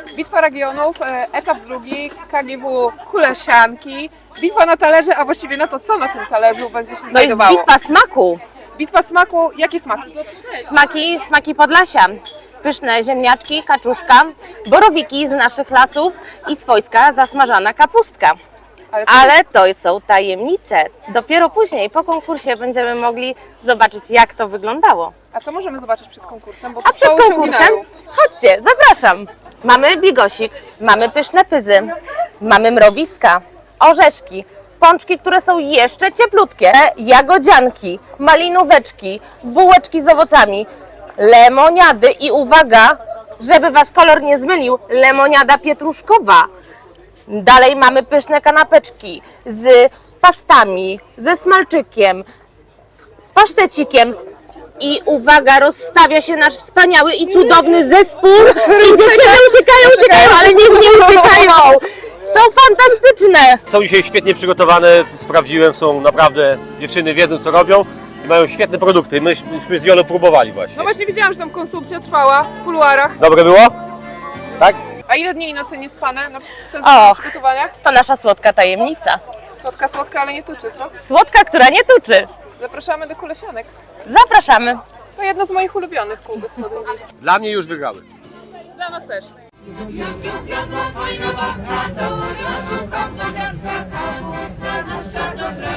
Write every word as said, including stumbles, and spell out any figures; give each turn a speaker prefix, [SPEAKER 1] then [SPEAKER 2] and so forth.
[SPEAKER 1] Bitwa regionów, e, etap drugi, K G W Kulesianki. Bitwa na talerze, a właściwie na to, co na tym talerzu będzie się
[SPEAKER 2] To jest
[SPEAKER 1] znajdowało.
[SPEAKER 2] bitwa smaku.
[SPEAKER 1] Bitwa smaku, jakie smaki?
[SPEAKER 2] Smaki, smaki Podlasia. Pyszne ziemniaczki, kaczuszka, borowiki z naszych lasów i swojska zasmażana kapustka.
[SPEAKER 1] Ale, co-
[SPEAKER 2] Ale to są tajemnice. Dopiero później, po konkursie, będziemy mogli zobaczyć, jak to wyglądało.
[SPEAKER 1] A co możemy zobaczyć przed konkursem? Bo
[SPEAKER 2] A
[SPEAKER 1] tu
[SPEAKER 2] przed
[SPEAKER 1] stoły się
[SPEAKER 2] konkursem,
[SPEAKER 1] uginają.
[SPEAKER 2] chodźcie, zapraszam. Mamy bigosik, mamy pyszne pyzy, mamy mrowiska, orzeszki, pączki, które są jeszcze cieplutkie, jagodzianki, malinóweczki, bułeczki z owocami, lemoniady i uwaga, żeby Was kolor nie zmylił, lemoniada pietruszkowa. Dalej mamy pyszne kanapeczki z pastami, ze smalczykiem, z pasztecikiem. I uwaga, rozstawia się nasz wspaniały i cudowny zespół. I dziewczyny uciekają, uciekają, ale niech nie uciekają. Są fantastyczne.
[SPEAKER 3] Są dzisiaj świetnie przygotowane, sprawdziłem, są naprawdę, dziewczyny wiedzą co robią i mają świetne produkty. Myśmy z Jolą próbowali
[SPEAKER 1] No
[SPEAKER 3] właśnie.
[SPEAKER 1] właśnie widziałam, że tam konsumpcja trwała w kuluarach.
[SPEAKER 3] Dobre było? Tak?
[SPEAKER 1] A ile dni i nocy nie spane na
[SPEAKER 2] Och.
[SPEAKER 1] przygotowaniach?
[SPEAKER 2] To nasza słodka tajemnica.
[SPEAKER 1] Słodka, słodka, ale nie tuczy, co?
[SPEAKER 2] Słodka, która nie tuczy.
[SPEAKER 1] Zapraszamy do Kulesianek.
[SPEAKER 2] Zapraszamy.
[SPEAKER 1] To jedno z moich ulubionych kół gospodyń wiejskich.
[SPEAKER 3] Dla mnie już wygrały.
[SPEAKER 1] Dla nas też.
[SPEAKER 4] Jak ją zjadła fajna babka, to od razu kam do dziadka, kapusta nasza dobra.